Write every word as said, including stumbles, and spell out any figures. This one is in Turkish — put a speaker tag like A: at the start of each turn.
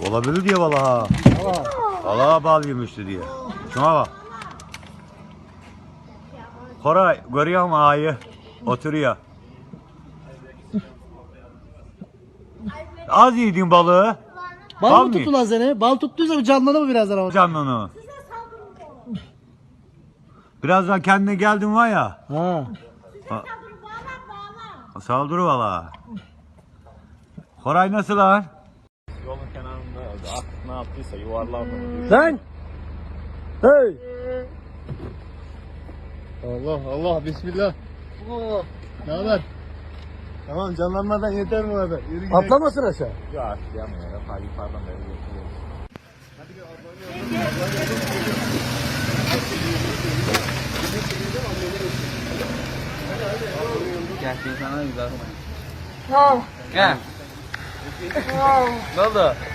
A: Olabilir diye vallahi. Vallahi bal yemişti diye. Şuna bak. Koray görüyor musun ayı? Oturuyor. Az yedin balığı.
B: Bal,
A: Bal
B: mı
A: mı?
B: tuttu lan seni? Bal tuttuysa bir canlanır mı birazdan ama?
A: Canını. Birazdan kendine geldin var ya.
B: Ha.
A: Saldırı valla. Koray nasıl lan?
C: Yolun kenarında artık ne yaptıysa yuvarlandı mı?
B: Lan! Hey!
C: Allah Allah bismillah.
B: Oh.
C: Ne haber? Tamam canlanmadan yeter bu kadar. Yürü gidelim.
B: Atlamasın aşağı.
C: Ya atlayamıyor ya. Ta yukarıdan beri geçiyor.
D: Gel sana güzel. Gel. Ne oldu?